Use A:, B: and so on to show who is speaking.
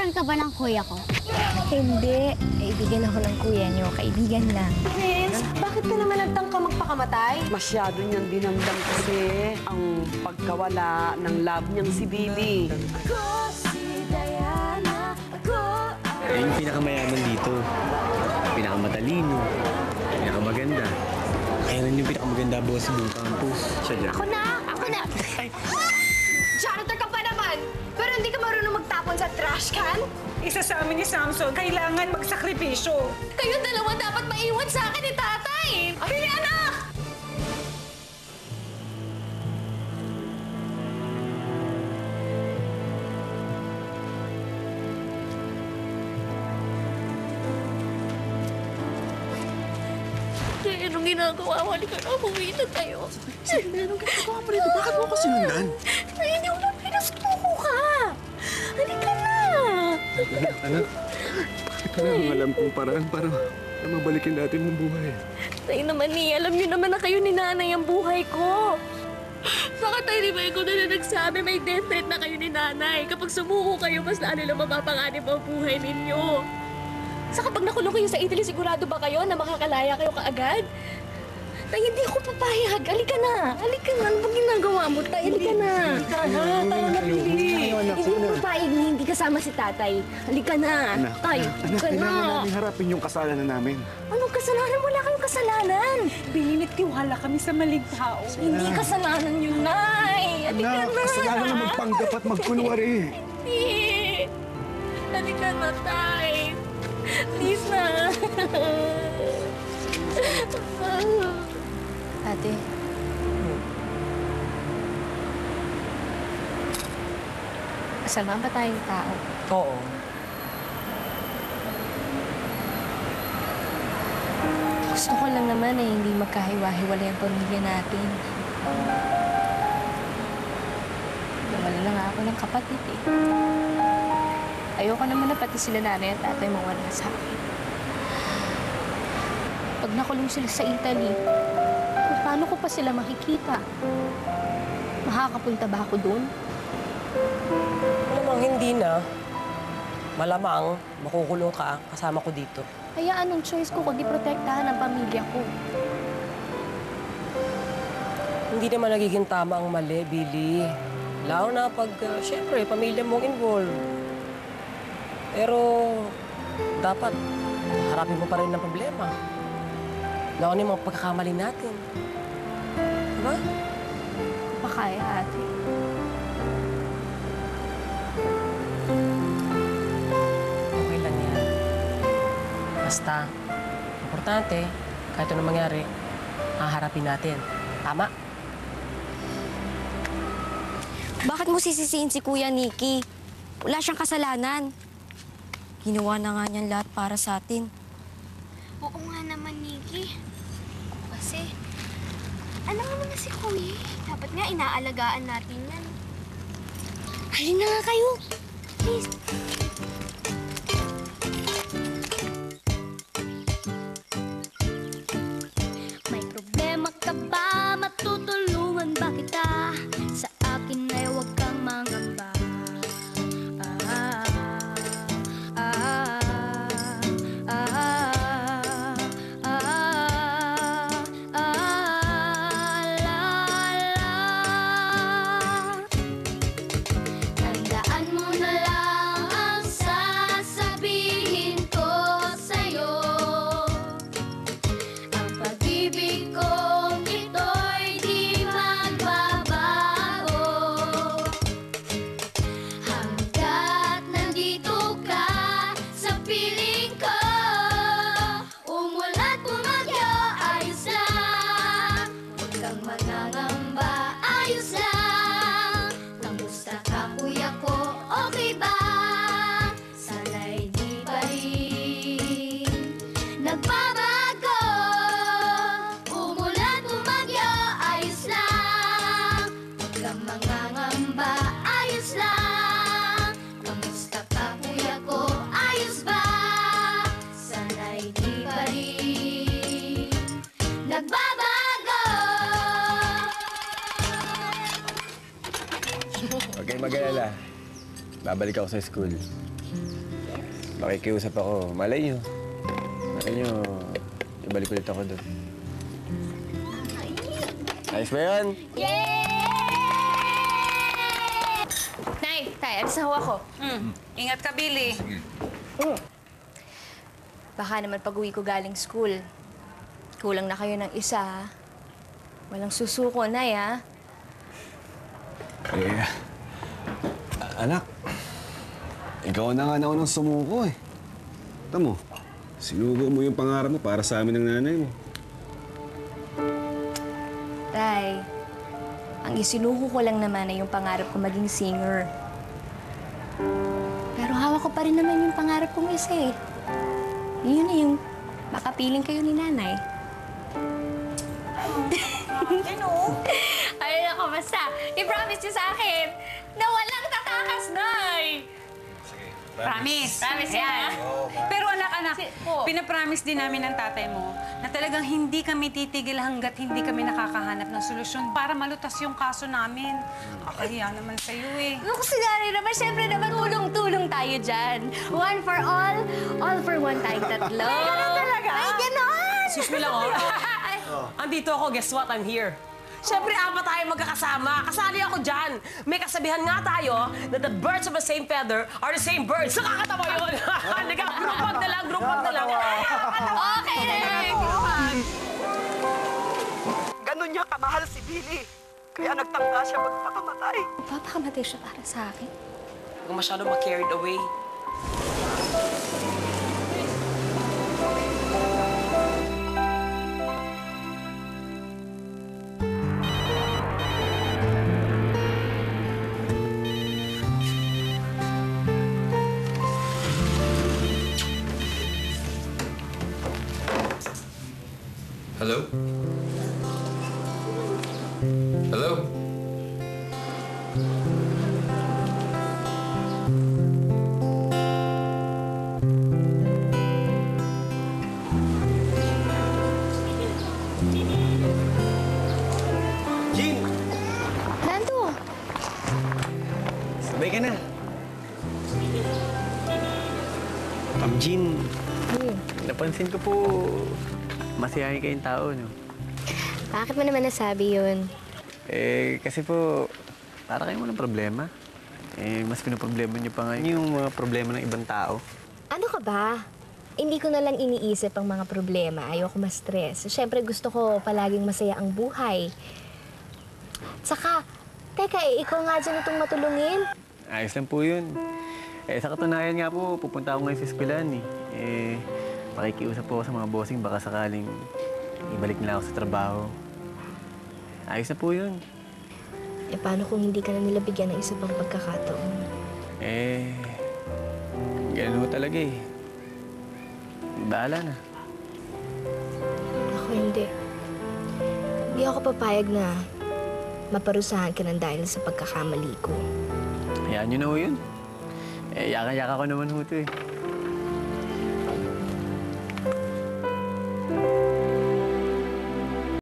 A: Girlfriend ka ba ng kuya ko?
B: Hindi. Kaibigan ako ng kuya niyo. Kaibigan lang.
C: Prince, bakit ka naman nagtangka magpakamatay?
D: Masyado niyang dinamdam kasi ang pagkawala ng love niyang si Billy.
E: Eh, yung pinakamayaman dito. Pinakamatalino. Pinakamaganda. Kaya lang yung pinakamaganda boss sa buong campus. Siya dyan.
B: Ako na!
C: Janitor ka pa naman! Pero hindi ka marunong magtapon sa trash can?
F: Isa sa amin ni Samson, kailangan magsakripisyo.
C: Kayong dalawa dapat maiwan sa akin ni tatay! Billy, anak!
B: Kaya anong ginagawa mo? Halika na, umuwi na tayo.
E: Anong ginagawa mo rito? Bakit mo ako sinundan?
B: Ay, hindi mo na pinasuko ka. Halika na.
E: Anak, bakit wala nang alam kong paraan para mabalikin natin ang buhay?
B: Tayo naman alam niyo naman na kayo ni nanay ang buhay ko. Baka tayo ni Michael na nagsabi may death threat na kayo ni nanay. Kapag sumuko kayo, mas lalo lang mapapanganib ang buhay ninyo. Sa kapag nakulong kayo sa Italy, sigurado ba kayo na makakalaya kayo kaagad? Tay, hindi ako papayag. Halika na. Halika na. Ano bang ginagawa mo, Tay? Halika na.
F: Tayo na, Billy.
B: Hindi ko papayag na hindi kasama si tatay. Halika na. Tay, halika na.
E: Kailangan namin harapin yung kasalanan namin.
B: Anong kasalanan? Wala kayong kasalanan.
F: Billy, nagtiwala kami sa maling tao.
B: Hindi kasalanan yun, Nay. Halika
E: Anak,
B: na.
E: kasalanan na magpanggap at magkunwari.
B: Hindi. Halika na, Tay. Please na. Ate. Masama ba tayong tao?
D: Oo.
B: Gusto ko lang naman hindi magkahiwa-hiwalay ang pamilya natin. Wala lang ako ng kapatid eh. Ayoko naman na pati sila nanay at tatay mawala sa akin. Pag nakulong sila sa Italy, paano ko pa sila makikita? Makakapunta ba ako doon?
G: Malamang hindi na. Malamang makukulong ka kasama ko dito.
B: Kaya anong choice ko kundi protektahan ang pamilya ko?
G: Hindi naman nagiging tama ang mali, Billy. Lalo na pag, syempre, pamilya mong involved. Pero, dapat, harapin mo pa rin ang problema. Lalo na yung mga pagkakamali natin. Diba?
B: Pa kaya, ate.
G: Okay lang yan. Basta, importante, kahit ano mangyari, haharapin natin. Tama?
H: Bakit mo sisisiin si Kuya Nicky? Wala siyang kasalanan. Ginawa na nga niyan lahat para sa atin.
A: Oo nga naman, Nikki. Kasi, ano naman na si Kuya? Dapat nga inaalagaan natin yan.
H: Halina nga kayo. Please.
A: May problema ka ba? Matutulungan ba kita? Sa akin ay huwag kang mangamba. Tandaan mo na lang ang sasabihin ko sa'yo. Ang pag-ibig kong ito'y di magbabago. Hanggat nandito ka sa piling ko, umulat bumagyo, ayos lang. Huwag kang mangangamba, ayos lang. Kamusta ka, kuya ko? Okay ba? Sana'y di pa rin nagbabago. Umulan, bumagyo, ayos lang. Huwag kang mangangamba, ayos lang. Kamusta ka, kuya ko? Ayos ba? Sana'y di pa rin nagbabago.
E: Huwag kayong mag-alala. Babalik ako sa school. Makikiusap ako. Malay nyo, ibalik ulit ako doon. Ayos ba yun?
C: Nay, tay, alis na ho ako.
F: Ingat ka, Billy.
C: Baka naman pag-uwi ko galing school, kulang na kayo ng isa, ha? Walang susuko, Nay, ha?
E: Anak, ikaw na nga naunang sumuko eh. Tamo, sinugo mo yung pangarap mo para sa amin ng nanay mo.
C: Tay, ang isinuko ko lang naman ay yung pangarap ko maging singer. Pero hawak ko pa rin naman yung pangarap kong isa eh. Yun na yung makapiling kayo ni nanay. Ay, ako, basta. I-promise niyo sa akin na walang tatakas, Nay!
F: Promise.
C: Promise yan.
F: Pero anak, pinapromise din namin ng tatay mo na talagang hindi kami titigil hanggat hindi kami nakakahanap ng solusyon para malutas yung kaso namin. Kakahiya naman sa'yo eh.
C: Naku, sinari naman, syempre naman, tulong-tulong tayo dyan. One for all for one tayong tatlo. Ay, ganun talaga? Ay, ganon!
G: Excuse me lang, Andito ako, guess what? I'm here. Siyempre, apat tayo magkakasama. Kasali ako dyan. May kasabihan nga tayo na the birds of the same feather are the same birds. Nakakatawa yun. Group hug na lang.
C: Okay, Rick!
D: Ganon niya kamahal si Billy. Kaya nagtangka siya magpakamatay.
C: Papakamatay siya para sa akin.
G: Huwag masyado ma-carried away.
I: Hello? Hello?
E: Jean!
C: Nando!
E: Sabay ka na. Jean, napansin ko po, masiyahin kayong tao, no?
C: Bakit mo naman nasabi yun?
E: Kasi po, para kayong walang problema. Mas pinoproblema niyo pa nga yung mga problema ng ibang tao.
J: Ano ka ba? Hindi ko na lang iniisip ang mga problema. Ayoko ma-stress. Siyempre, gusto ko palaging masaya ang buhay. Saka, teka, ikaw nga dyan itong matulungin.
E: Ayos lang po yun. Sa katunayan nga po, pupunta ako ngayon sa eskwelahan pakikiusap po ako sa mga bossing, baka sakaling ibalik nila ako sa trabaho. Ayos na po yun.
J: Paano kung hindi ka na nila bigyan ng isa pang pagkakataon?
E: Ganun ho talaga eh. Bahala na.
J: Ako hindi. Hindi ako papayag na maparusahan ka ng dahil sa pagkakamali ko.
E: Hayaan nyo na ho yun. Yaka-yaka ko naman ho ito eh.